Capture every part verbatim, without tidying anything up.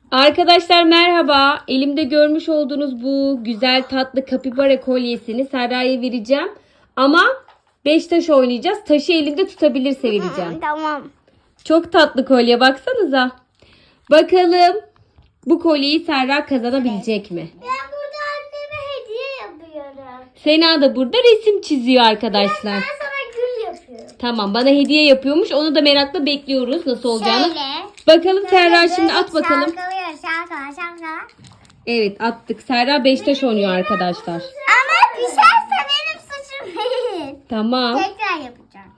Arkadaşlar merhaba. Elimde görmüş olduğunuz bu güzel tatlı kapibara kolyesini Serra'ya vereceğim. Ama beş taş oynayacağız. Taşı elinde tutabilirse vereceğim. Tamam. Çok tatlı kolye, baksanıza. Bakalım bu kolyeyi Serra kazanabilecek mi? Ben burada anneme hediye yapıyorum. Sena da burada resim çiziyor arkadaşlar. Ben sana gül yapıyorum. Tamam, bana hediye yapıyormuş. Onu da merakla bekliyoruz nasıl olacağını. Şöyle. Bakalım Serra Böyle şimdi at bakalım. Şarkılıyor şarkılar şarkılar. Evet, attık. Serra beş taş oynuyor arkadaşlar. Ama düşerse benim suçum değil. Tamam. Tekrar yapacağım.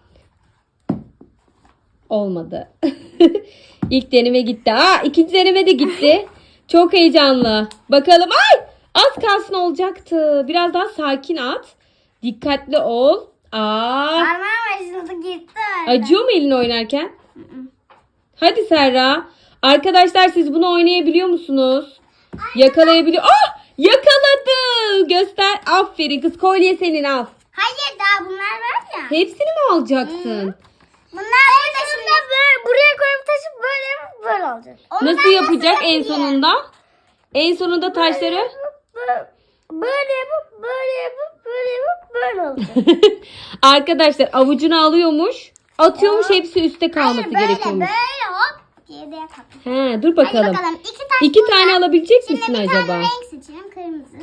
Olmadı. İlk deneme gitti. Aa, ikinci deneme de gitti. Çok heyecanlı. Bakalım. Ay! Az kalsın olacaktı. Biraz daha sakin at. Dikkatli ol. Aa! Parmağım acıdı gitti. Acıyor mu elin oynarken? Hadi Serra. Arkadaşlar siz bunu oynayabiliyor musunuz? Yakalayabiliyor. Ah! Yakaladı. Göster. Aferin kız. Kolye senin, al. Hayır daha bunlar var ya. Hepsini mi alacaksın? Bunlar burada şimdi böyle buraya koyup taşıp böyle yapıp böyle olacak. Nasıl yapacak en sonunda? En sonunda taşları Böyle, böyle yapıp böyle yapıp böyle yapıp böyle olacak. arkadaşlar avucuna alıyormuş. Atıyormuş, hepsi üstte kalması Hayır, böyle gerekiyormuş. böyle hop diye de yapalım. He, dur bakalım. Hadi bakalım. İki, taş İki burada. tane alabilecek Şimdi misin bir acaba? tane renk seçelim. Kırmızı.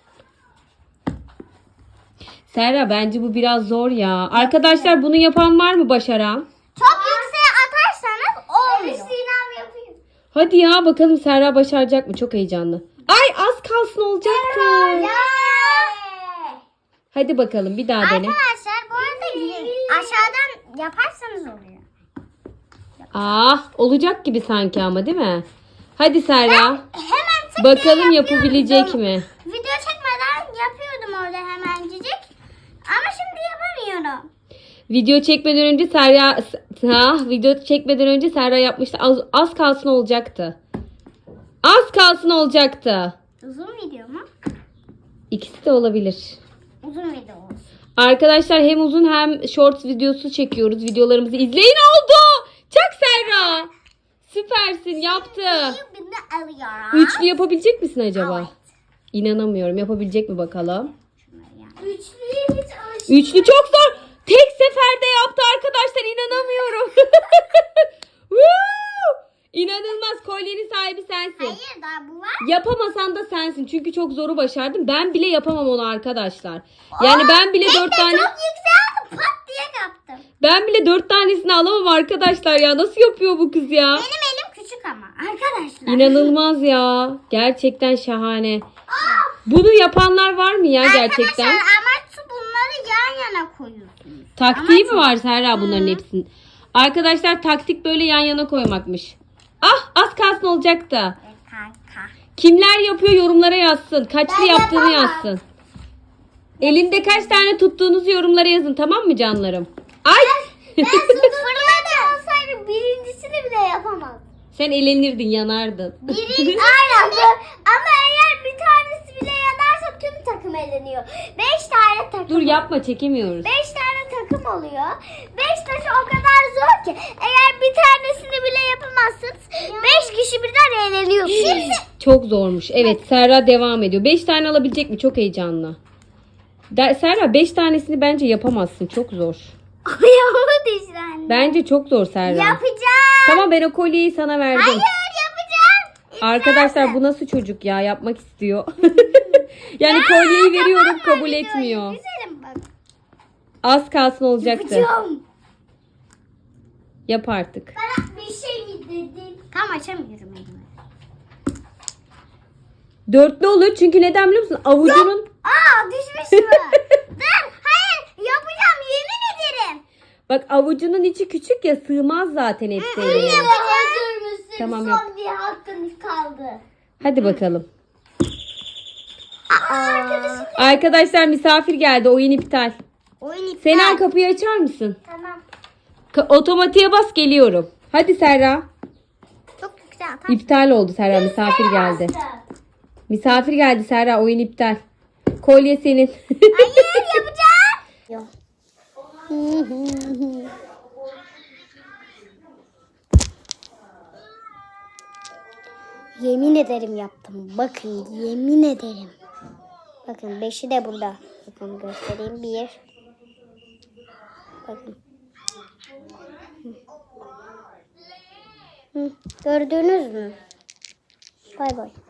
Serra, bence bu biraz zor ya. Arkadaşlar bunu yapan var mı, başaran? Çok yükseğe atarsanız olmuyor. Evet Sinem yapayım. Hadi ya, bakalım Serra başaracak mı? Çok heyecanlı. Ay, az kalsın olacaktı. Hadi bakalım, bir daha dene. Arkadaşlar bu arada aşağıdan yaparsanız oluyor. Ah, olacak gibi sanki ama, değil mi? Hadi Serra. Hemen tık diye Bakalım yapıyordum. yapabilecek mi? Video çekmeden yapıyordum orada hemencik. Ama şimdi yapamıyorum. Video çekmeden önce Serra ha, video çekmeden önce Serra yapmıştı. Az, az kalsın olacaktı. Az kalsın olacaktı. Uzun video mu? İkisi de olabilir. Uzun video olsun. Arkadaşlar hem uzun hem short videosu çekiyoruz. Videolarımızı izleyin, oldu. Çak Serra. Süpersin, yaptı. Birini alıyorum. Üçlü yapabilecek misin acaba? Evet. İnanamıyorum. Yapabilecek mi bakalım? Üçlüye hiç alışmadım. Üçlü çok zor. Tek seferde yaptı arkadaşlar. İnanamıyorum. Woo! İnanılmaz. Kolyenin sahibi sensin. Hayır daha bu var. Yapamasan da sensin. Çünkü çok zoru başardın. Ben bile yapamam onu arkadaşlar. Yani ben bile Tek dört de tane çok yüksek aldım. Pat diye kaptım. ben bile dört tanesini alamam arkadaşlar ya. Nasıl yapıyor bu kız ya? Benim elim küçük ama arkadaşlar. İnanılmaz ya. Gerçekten şahane. Bunu yapanlar var mı ya gerçekten? Arkadaşlar amaç bunları yan yana koyuyorsunuz. Taktiği mi Ama var Serra bunların hepsinin? Arkadaşlar taktik böyle yan yana koymakmış. Ah, az kalsın olacaktı. Kanka. Kimler yapıyor yorumlara yazsın. Kaçlı Ben yaptığını yapamam. yazsın. Elinde kaç tane tuttuğunuzu yorumlara yazın, tamam mı canlarım? Ay! Ben fırladı olsaydı birincisini bile yapamam. Sen elenirdin, yanardın. Birinci aynen bu. Ama eğer bir tanesi bile yanarsa tüm takım eleniyor. Beş tane takım. Dur yapma, çekemiyoruz. Beş tane takım oluyor. Beş taşı o kadar zor ki. Eğer bir tanesini bile yapamazsınız. Beş kişi birden eğleniyorsunuz. Çok zormuş. Evet, Serra devam ediyor. beş tane alabilecek mi? Çok heyecanlı. De- Serra beş tanesini bence yapamazsın. Çok zor. Ayağımı düştü anne. Bence çok zor Serra. Yapacağım. Tamam, ben o kolyeyi sana verdim. Hayır yapacağım. Arkadaşlar bu nasıl çocuk ya, yapmak istiyor. Yani kolyeyi veriyorum, kabul etmiyor. Güzelim bak. Az kalsın olacaktı. Yapacağım. Yap artık. Bana bir şey mi dedin? Tam açamıyorum elimi. Dörtlü olur çünkü neden biliyor musun? Avucunun... Aa düşmüş mü? Dur hayır yapacağım yemin ederim. Bak, avucunun içi küçük ya, sığmaz zaten hepsi eline. Hazır mısın? Tamam, Son yap. bir hakkınız kaldı. Hadi bakalım. Arkadaşım. Arkadaşlar misafir geldi, oyun iptal. Oyun iptal. Sena, kapıyı açar mısın? Tamam. Ka- otomatiğe bas, geliyorum. Hadi Serra. Çok güzel atar. İptal oldu Serra, misafir geldi. Misafir geldi Serra, oyun iptal. Kolye senin. Hayır yapacağım. Yok. Yemin ederim yaptım. Bakın yemin ederim. Bakın beşi de burada. Bakın göstereyim. Bir. Bakın. Hı. Hı. Gördünüz mü? Bay bay.